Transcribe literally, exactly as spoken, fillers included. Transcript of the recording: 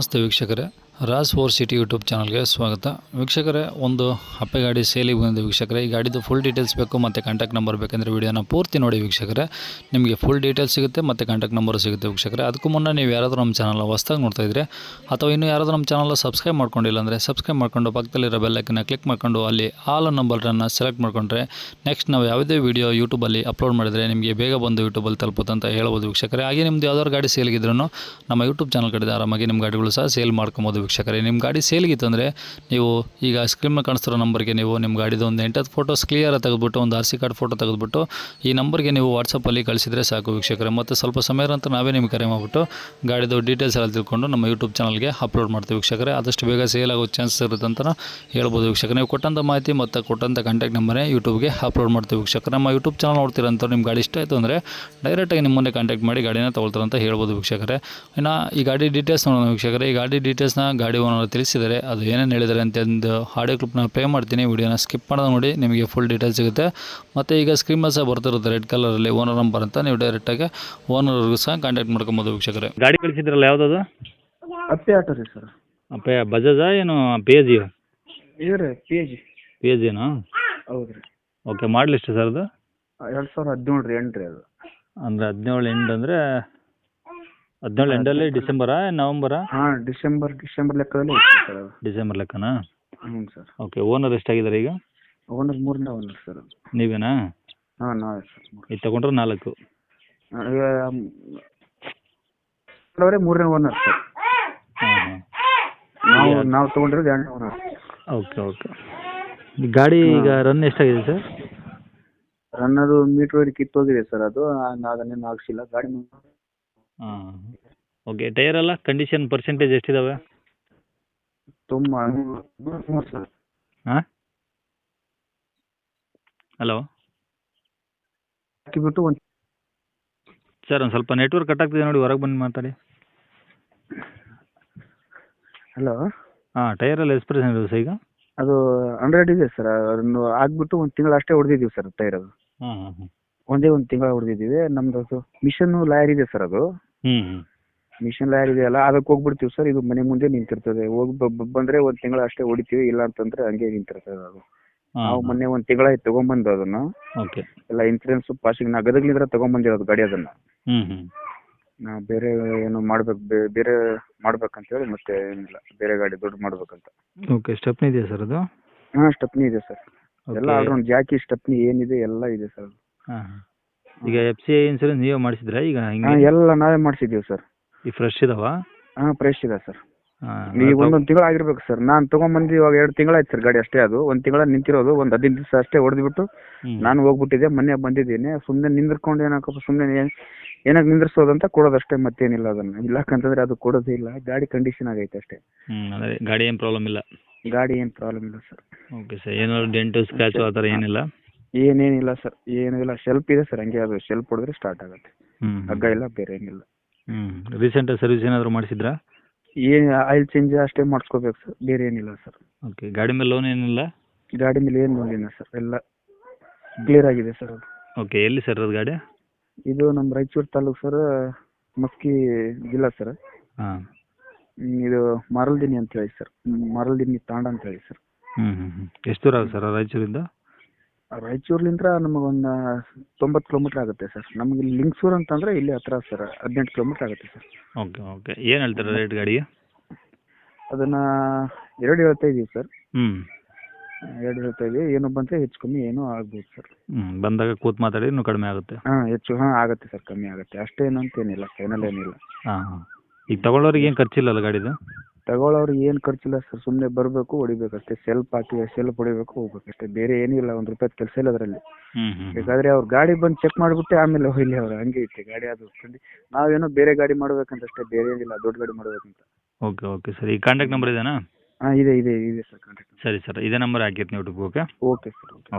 ನಮಸ್ತೆ ವೀಕ್ಷಕರೇ, Raj four city YouTube ಚಾನಲ್ಗೆ ಸ್ವಾಗತ. ವೀಕ್ಷಕರೇ, ಒಂದು ಹಪ್ಪೆ ಗಾಡಿ ಸೇಲಿಗೆ ಬಂದಿದೆ ವೀಕ್ಷಕರೇ. ಈ ಗಾಡಿದು ಫುಲ್ ಡೀಟೇಲ್ಸ್ ಬೇಕು ಮತ್ತು ಕಾಂಟ್ಯಾಕ್ಟ್ ನಂಬರ್ ಬೇಕಂದರೆ ವಿಡಿಯೋನ ಪೂರ್ತಿ ನೋಡಿ ವೀಕ್ಷಕರೇ. ನಿಮಗೆ ಫುಲ್ ಡೀಟೇಲ್ಸ್ ಸಿಗುತ್ತೆ ಮತ್ತು ಕಾಂಟ್ಯಾಕ್ಟ್ ನಂಬರ್ ಸಿಗುತ್ತೆ ವೀಕ್ಷಕರೇ. ಅದಕ್ಕೂ ಮುನ್ನ ನೀವು ಯಾರಾದರೂ ನಮ್ಮ ಚಾನಲ್ ಹೊಸ್ದಾಗಿ ನೋಡ್ತಾ ಇದ್ದರೆ ಅಥವಾ ಇನ್ನೂ ಯಾರಾದರೂ ನಮ್ಮ ಚಾನಲ್ ಸಬ್ಸ್ಕ್ರೈಬ್ ಮಾಡ್ಕೊಂಡಿಲ್ಲ ಅಂದರೆ ಸಬ್ಸ್ಕ್ರೈಬ್ ಮಾಡ್ಕೊಂಡು ಪಕ್ಕದಲ್ಲಿರೋ ಬೆಲ್ಲೈಕನ್ನ ಕ್ಲಿಕ್ ಮಾಡ್ಕೊಂಡು ಅಲ್ಲಿ ಆಲ್ ನಂಬರನ್ನು ಸೆಲೆಕ್ಟ್ ಮಾಡಿಕೊಂಡ್ರೆ ನೆಕ್ಸ್ಟ್ ನಾವು ಯಾವುದೇ ವೀಡಿಯೋ ಯೂಟ್ಯೂಬಲ್ಲಿ ಅಪ್ಲೋಡ್ ಮಾಡಿದರೆ ನಿಮಗೆ ಬೇಗ ಬಂದು ಯೂಟ್ಯೂಬಲ್ಲಿ ತಲುಪುತ್ತೆ ಅಂತ ಹೇಳ್ಬೋದು ವೀಕ್ಷಕರೇ. ಹಾಗೆ ನಿಮ್ಮದು ಯಾವ್ದಾದ್ರು ಗಾಡಿ ಸೇಲ್ಗಿದ್ರೂ ನಮ್ಮ ಯೂಟ್ಯೂಬ್ ಚಾನಲ್ ಕಡೆ ಆರಾಮಾಗಿ ನಿಮ್ಮ ಗಾಡಿಗಳು ಸಹ ಸೇಲ್ ಮಾಡ್ಕೊಬೋದು ವೀಕ್ಷಕರೇ. ನಿಮ್ಮ ಗಾಡಿ ಸೇಲ್ಗಿತ್ತು ಅಂದರೆ ನೀವು ಈಗ ಸ್ಕ್ರೀನ್ ಮೇಲೆ ಕಾಣಿಸ್ತಿರೋ ನಂಬರ್ಗೆ ನೀವು ನಿಮ್ಮ ಗಾಡಿದು ಒಂದು ಎಂಟತ್ತು ಫೋಟೋಸ್ ಕ್ಲಿಯರ್ ತೆಗೆದುಬಿಟ್ಟು ಒಂದು ಆರ್ ಸಿ ಕಾರ್ಡ್ ಫೋಟೋ ತೆಗೆದುಬಿಟ್ಟು ಈ ನಂಬರ್ಗೆ ನೀವು ವಾಟ್ಸಪ್ಪಲ್ಲಿ ಕಳಿಸಿದರೆ ಸಾಕು ವೀಕ್ಷಕರೇ. ಮತ್ತು ಸ್ವಲ್ಪ ಸಮಯ ನಂತರ ನಾವೇ ನಿಮಗೆ ಕರೆ ಮಾಡಿಬಿಟ್ಟು ಗಾಡಿದು ಡೀಟೇಲ್ಸ್ ಎಲ್ಲ ತಿಳ್ಕೊಂಡು ನಮ್ಮ ಯೂಟ್ಯೂಬ್ ಚಾನಲ್ಗೆ ಅಪ್ಲೋಡ್ ಮಾಡ್ತೀವಿ ವೀಕ್ಷಕರೇ. ಆದಷ್ಟು ಬೇಗ ಸೇಲ್ ಆಗೋ ಚಾನ್ಸಸ್ ಇರುತ್ತೆ ಅಂತ ಹೇಳ್ಬೋದು ವೀಕ್ಷಕರೇ. ನೀವು ಕೊಟ್ಟಂಥ ಮಾಹಿತಿ ಮತ್ತು ಕೊಟ್ಟಂಥ ಕಾಂಟ್ಯಾಕ್ಟ್ ನಂಬರೇ ಯೂಟ್ಯೂಬ್ಗೆ ಅಪ್ಲೋಡ್ ಮಾಡ್ತೀವಿ ವೀಕ್ಷಕರೇ. ನಮ್ಮ ಯೂಟ್ಯೂಬ್ ಚಾನಲ್ ನೋಡ್ತೀರಂತ ನಿಮ್ಮ ಗಾಡಿ ಇಷ್ಟ ಆಯಿತು ಅಂದರೆ ಡೈರೆಕ್ಟಾಗಿ ನಿಮ್ಮನ್ನೇ ಕಾಂಟ್ಯಾಕ್ಟ್ ಮಾಡಿ ಗಾಡಿನ ತೊಗೊಳ್ತಾರೆ ಅಂತ ಹೇಳ್ಬೋದು ವೀಕ್ಷಕರೇ. ಇನ್ನು ಈ ಗಾಡಿ ಡೀಟೇಲ್ಸ್ ನೋಡೋಣ ವೀಕ್ಷಕರೇ. ಈ ಗಾಡಿ ಡೀಟೇಲ್ಸ್ನ ಗಾಡಿ ಓನರ್ ತಿಳಿಸಿದರೆ ಅದು ಏನೇನು ಹೇಳಿದ್ದಾರೆ ಅಂತ ಒಂದು ಆಡಿಯೋ ಕ್ಲಿಪ್ನ ಪ್ಲೇ ಮಾಡ್ತೀನಿ. ವಿಡಿಯೋನ ಸ್ಕಿಪ್ ಮಾಡೋದು ನೋಡಿ, ನಿಮಗೆ ಫುಲ್ ಡೀಟೇಲ್ಸ್ ಸಿಗುತ್ತೆ. ಮತ್ತು ಈಗ ಸ್ಕ್ರೀನ್ ಮೇಲೆ ಸಹ ಬರ್ತಿರುತ್ತೆ ರೆಡ್ ಕಲರಲ್ಲಿ ಓನರ್ ನಂಬರ್ ಅಂತ. ನೀವು ಡೈರೆಕ್ಟಾಗಿ ಓನರ್ಗೂ ಸಹ ಕಾಂಟ್ಯಾಕ್ಟ್ ಮಾಡ್ಕೊಬೋದು ವೀಕ್ಷಕರೇ. ಗಾಡಿ ಕಳಿಸಿದ್ರಲ್ಲ ಯಾವುದದು? ಅಪ್ಪೆ ಆಟೋ ರೀ ಸರ್. ಅಪ್ಪೆ ಬಜಾಜಾ ಏನು ಪಿ ಎ ಜಿ? ಇದು ರೀ P A G. P A ಜಿನಾ? ಹೌದು ರೀ. ಓಕೆ, ಮಾಡಲ್ ಎಷ್ಟು ಸರ್ ಅದು? ಎರಡು ಸಾವಿರದ ಹದಿನೇಳು ರೀ ಎಂಟು ರೀ ಅದು. ಅಂದರೆ ಹದಿನೇಳು ಎಂಟು ಅಂದರೆ ಹದಿನೇಳು ಎಂಟಲ್ಲಿ ಡಿಸೆಂಬರಾ ನವಂಬರಾ? ಹಾಂ, ಡಿಸೆಂಬರ್ ಡಿಸೆಂಬರ್ ಲೆಕ್ಕದಲ್ಲಿ ಐತೆ ಸರ್ ಅದು. ಡಿಸೆಂಬರ್ ಲೆಕ್ಕನಾ? ಹ್ಞೂ ಸರ್. ಓಕೆ, ಓನರ್ ಎಷ್ಟಾಗಿದ್ದಾರೆ ಈಗ? ಓನರ್ ಮೂರನೇ ಓನರ್ ಸರ್ ಅದು. ನೀವೇನಾ? ಹಾಂ, ನಾವೇ ಸರ್. ಇದು ತೊಗೊಂಡ್ರೆ ನಾಲ್ಕು? ಅವರೇ ಮೂರನೇ ಓನರ್ ಸರ್. ಹಾಂ ಹಾಂ. ನಾವು ನಾವು ತೊಗೊಂಡಿರೋದು ಎರಡನೇ ಓನರ್. Okay okay. ಈ ಗಾಡಿ ಈಗ ರನ್ ಎಷ್ಟಾಗಿದೆ ಸರ್? ರನ್ ಅದು ಮೀಟ್ರ್ ವೈರ್ ಕಿತ್ತೋಗಿದೆ ಸರ್ ಅದು. ಅದನ್ನೇನು ಹಾಕ್ಸಿಲ್ಲ ಗಾಡಿ. ಹಾಂ ಓಕೆ. ಟೈರ್ ಎಲ್ಲ ಕಂಡೀಷನ್ ಪರ್ಸೆಂಟೇಜ್ ಎಷ್ಟಿದಾವೆ? ತುಂಬ ಮೂರು ಸರ್. ಹಾಂ, ಹಲೋ ಹಾಕಿಬಿಟ್ಟು ಒಂದು ಸರ್, ಒಂದು ಸ್ವಲ್ಪ ನೆಟ್ವರ್ಕ್ ಕಟ್ ಆಗ್ತಿದೆ ನೋಡಿ, ಹೊರಗೆ ಬಂದು ಮಾತಾಡಿ. ಹಲೋ. ಹಾಂ, ಟೈರಲ್ಲಿ ಎಷ್ಟು ಪರ್ಸೆಂಟ್ ಇದೆ ಸರ್ ಈಗ? ಅದು ಹಂಡ್ರೆಡ್ ಇದೆ ಸರ್. ಅದನ್ನು ಆಗ್ಬಿಟ್ಟು ಒಂದು ತಿಂಗಳು ಅಷ್ಟೇ ಹೊಡೆದಿದ್ದೀವಿ ಸರ್ ಟೈರ್ ಅದು. ಹಾಂ ಹಾಂ ಹಾಂ. ಒಂದೇ ಒಂದು ತಿಂಗಳ ಹೊಡೆದಿದ್ದೀವಿ. ನಮ್ದು ಅದು ಮಿಷನ್ ಲಾಯರ್ ಇದೆ ಸರ್ ಅದು. ಹ್ಞೂ ಹ್ಞೂ. ಮಿಷನ್ ಲಾಯರ್ ಇದೆಯಲ್ಲ, ಅದಕ್ಕೆ ಹೋಗ್ಬಿಡ್ತೀವಿ ಸರ್. ಇದು ಮನೆ ಮುಂದೆ ನಿಂತಿರ್ತದೆ. ಹೋಗಿ ಬಂದರೆ ಒಂದು ತಿಂಗಳ ಅಷ್ಟೇ ಹೊಡಿತೀವಿ, ಇಲ್ಲ ಅಂತಂದ್ರೆ ಹಂಗೆ ನಿಂತಿರ್ತದೆ ಅದು. ನಾವು ಮೊನ್ನೆ ಒಂದು ತಿಂಗಳಾಯ್ತು ತೊಗೊಂಬಂದು ಅದನ್ನು. ಓಕೆ. ಎಲ್ಲ ಇನ್ಸೂರೆನ್ಸ್ ಪಾಸಿಂಗ್ ನಾ ಗದಗ್ಲಿಂದ ತೊಗೊಂಬಂದಿರೋದು ಗಾಡಿ ಅದನ್ನು. ಹ್ಞೂ ಹ್ಞೂ. ನಾ ಬೇರೆ ಏನು ಮಾಡ್ಬೇಕು, ಬೇರೆ ಮಾಡ್ಬೇಕಂತೇಳಿ ಮತ್ತೆ ಏನಿಲ್ಲ, ಬೇರೆ ಗಾಡಿ ದೊಡ್ಡ ಮಾಡ್ಬೇಕಂತ. ಓಕೆ. ಸ್ಟೆಪ್ನಿ ಇದೆಯಾ ಸರ್ ಅದು? ಹಾಂ, ಸ್ಟೆಪ್ನಿ ಇದೆ ಸರ್. ಎಲ್ಲ ಆಲ್ರೌಂಡ್ ಜಾಕಿ ಸ್ಟೆಪ್ನಿ ಏನಿದೆ ಎಲ್ಲ ಇದೆ ಸರ್. ಹಾಂ ಹಾಂ. ಈಗ ಎಫ್ ಸಿ ಐ ಇನ್ಸೂರೆನ್ಸ್ ನೀವೇ ಮಾಡಿಸಿದ್ರಾ ಈಗ? ಹಾಂ, ಎಲ್ಲ ನಾವೇ ಮಾಡಿಸಿದ್ದೀವಿ ಸರ್. ಈ ಫ್ರೆಶ್ ಇದಾವಾ? ಹಾಂ, ಫ್ರೆಶ್ ಇದೆ ಸರ್. ಹಾಂ. ಈಗ ಒಂದೊಂದು ತಿಂಗಳು ಆಗಿರ್ಬೇಕು ಸರ್. ನಾನು ತೊಗೊಂಬಂದು ಇವಾಗ ಎರಡು ತಿಂಗಳಾಯ್ತು ಸರ್ ಗಾಡಿ ಅಷ್ಟೇ. ಅದು ಒಂದು ತಿಂಗಳ ನಿಂತಿರೋದು, ಒಂದು ಹದಿನೈದು ದಿವಸ ಅಷ್ಟೇ ಹೊಡೆದ್ಬಿಟ್ಟು ನಾನು ಹೋಗ್ಬಿಟ್ಟಿದ್ದೆ. ಮೊನ್ನೆ ಬಂದಿದ್ದೀನಿ. ಸುಮ್ಮನೆ ನಿಂದ್ರಕೊಂಡು ಏನಕ್ಕಪ್ಪ ಸುಮ್ಮನೆ ಏನಕ್ಕೆ ನಿಂದ್ರಿಸೋದಂತ ಕೊಡೋದಷ್ಟೇ, ಮತ್ತೇನಿಲ್ಲ. ಅದನ್ನು ಇಲ್ಲಕ್ಕಂತಂದ್ರೆ ಅದು ಕೊಡೋದೇ ಇಲ್ಲ. ಗಾಡಿ ಕಂಡೀಷನ್ ಆಗೈತೆ ಅಷ್ಟೇ. ಹ್ಞೂ, ಅದೇ ಗಾಡಿ ಏನು ಪ್ರಾಬ್ಲಮ್ ಇಲ್ಲ? ಗಾಡಿ ಏನು ಪ್ರಾಬ್ಲಮ್ ಇಲ್ಲ ಸರ್. Okay sir. ಏನಾದ್ರು ಡೆಂಟು ಸ್ಕ್ರ್ಯಾಚು ಆ ಥರ ಏನಿಲ್ಲ? ಏನೇನಿಲ್ಲ ಸರ್, ಏನೂ ಇಲ್ಲ. ಶೆಲ್ಪ್ ಇದೆ ಸರ್, ಹಂಗೆ ಅದು ಶೆಲ್ಪ್ ಹೊಡೆದ್ರೆ ಸ್ಟಾರ್ಟ್ ಆಗುತ್ತೆ. ಹ್ಞೂ, ಹಗ್ಗ ಇಲ್ಲ, ಬೇರೆ ಏನಿಲ್ಲ. ಹ್ಞೂ. ರೀಸೆಂಟಾಗಿ ಸರ್ವಿಸ್ ಏನಾದರೂ ಮಾಡಿಸಿದ್ರಾ? ಏನು ಆಯಿಲ್ ಚೇಂಜ್ ಅಷ್ಟೇ ಮಾಡಿಸ್ಕೋಬೇಕು ಸರ್, ಬೇರೆ ಏನಿಲ್ಲ ಸರ್. ಓಕೆ. ಗಾಡಿ ಮೇಲೆ ಲೋನ್ ಏನಿಲ್ಲ? ಗಾಡಿ ಮೇಲೆ ಏನು ನೋಡಿಲ್ಲ ಸರ್, ಎಲ್ಲ ಕ್ಲಿಯರ್ ಆಗಿದೆ ಸರ್ ಅದು. ಓಕೆ. ಎಲ್ಲಿ ಸರ್ ಅದು ಗಾಡಿ? ಇದು ನಮ್ಮ ರಾಯಚೂರು ತಾಲೂಕು ಸರ್, ಮಸ್ಕಿ ಜಿಲ್ಲಾ ಸರ್. ಹಾಂ. ಇದು ಮರಲ್ದಿನಿ ಅಂತ ಹೇಳಿ ಸರ್, ಮರಲ್ದಿನಿ ತಾಂಡ ಅಂತ ಹೇಳಿ ಸರ್. ಹ್ಞೂ ಹ್ಞೂ ಹ್ಞೂ. ಎಷ್ಟು ದೂರ ಆಗುತ್ತೆ ಸರ್ ರಾಯಚೂರಿಂದ? ರಾಯಚೂರ್ಲಿಂದ ನಮಗೊಂದು ತೊಂಬತ್ತು ಕಿಲೋಮೀಟ್ರ್ ಆಗುತ್ತೆ ಸರ್. ನಮಗೆ ಇಲ್ಲಿ ಲಿಂಗಸೂರು ಅಂತಂದರೆ ಇಲ್ಲಿ ಹತ್ರ ಸರ್, ಹದಿನೆಂಟು ಕಿಲೋಮೀಟ್ರ್ ಆಗುತ್ತೆ ಸರ್. Okay okay. ಏನು ಹೇಳ್ತಾರೆ ರೇಟ್ ಗಾಡಿಗೆ? ಅದನ್ನು ಎರಡು ಹೇಳ್ತಾ ಇದ್ದೀವಿ ಸರ್. ಹ್ಞೂ, ಎರಡು ಹೇಳ್ತಾ ಇದ್ದೀವಿ. ಏನು ಬಂದರೆ ಹೆಚ್ಚು ಕಮ್ಮಿ ಏನೋ ಆಗ್ಬೋದು ಸರ್. ಹ್ಞೂ, ಬಂದಾಗ ಕೂತು ಮಾತಾಡಿ ಇನ್ನೂ ಕಡಿಮೆ ಆಗುತ್ತೆ. ಹಾಂ, ಹೆಚ್ಚು ಹಾಂ ಆಗುತ್ತೆ ಸರ್, ಕಮ್ಮಿ ಆಗುತ್ತೆ ಅಷ್ಟೇನು ಅಂತ ಏನಿಲ್ಲ, ಫೈನಲ್ ಏನಿಲ್ಲ. ಹಾಂ ಹಾಂ. ಈಗ ತಗೊಳ್ಳೋರಿಗೆ ಏನು ಖರ್ಚಿಲ್ಲಲ್ಲ ಗಾಡಿದು? ತಗೊಳ್ಳೋರಿಗೆ ಏನು ಖರ್ಚಿಲ್ಲ ಸರ್. ಸುಮ್ಮನೆ ಬರಬೇಕು, ಹೊಡಿಬೇಕಷ್ಟೇ. ಸೆಲ್ಫ್ ಹಾಕಿ ಸೆಲ್ಫ್ ಹೊಡಿಬೇಕು, ಹೋಗ್ಬೇಕಷ್ಟೇ. ಬೇರೆ ಏನಿಲ್ಲ. ಒಂದು ರೂಪಾಯಿ ಕೆಲಸ ಇಲ್ಲ ಅದರಲ್ಲಿ. ಹ್ಞೂ ಹ್ಞೂ. ಬೇಕಾದರೆ ಅವ್ರು ಗಾಡಿ ಬಂದು ಚೆಕ್ ಮಾಡಿಬಿಟ್ಟು ಆಮೇಲೆ ಹೋಗ್ಲಿ ಅವ್ರು, ಹಂಗೆ ಐತೆ ಗಾಡಿ. ಅದು ನಾವೇನೋ ಬೇರೆ ಗಾಡಿ ಮಾಡ್ಬೇಕಂತಷ್ಟೇ, ಬೇರೆ ಏನಿಲ್ಲ. ದೊಡ್ಡ ಗಾಡಿ ಮಾಡ್ಬೇಕಂತ. Okay okay sir. ಈ ಕಾಂಟ್ಯಾಕ್ಟ್ ನಂಬರ್ ಇದೆಯಾ? ಹಾಂ, ಇದೆ ಇದೆ ಇದೆ ಸರ್ ಕಾಂಟ್ಯಾಕ್ಟ್. ಸರಿ ಸರ್, ಇದೇ ನಂಬರ್ ಹಾಕಿರ್ತೀನಿ YouTube. Okay okay sir. Okay.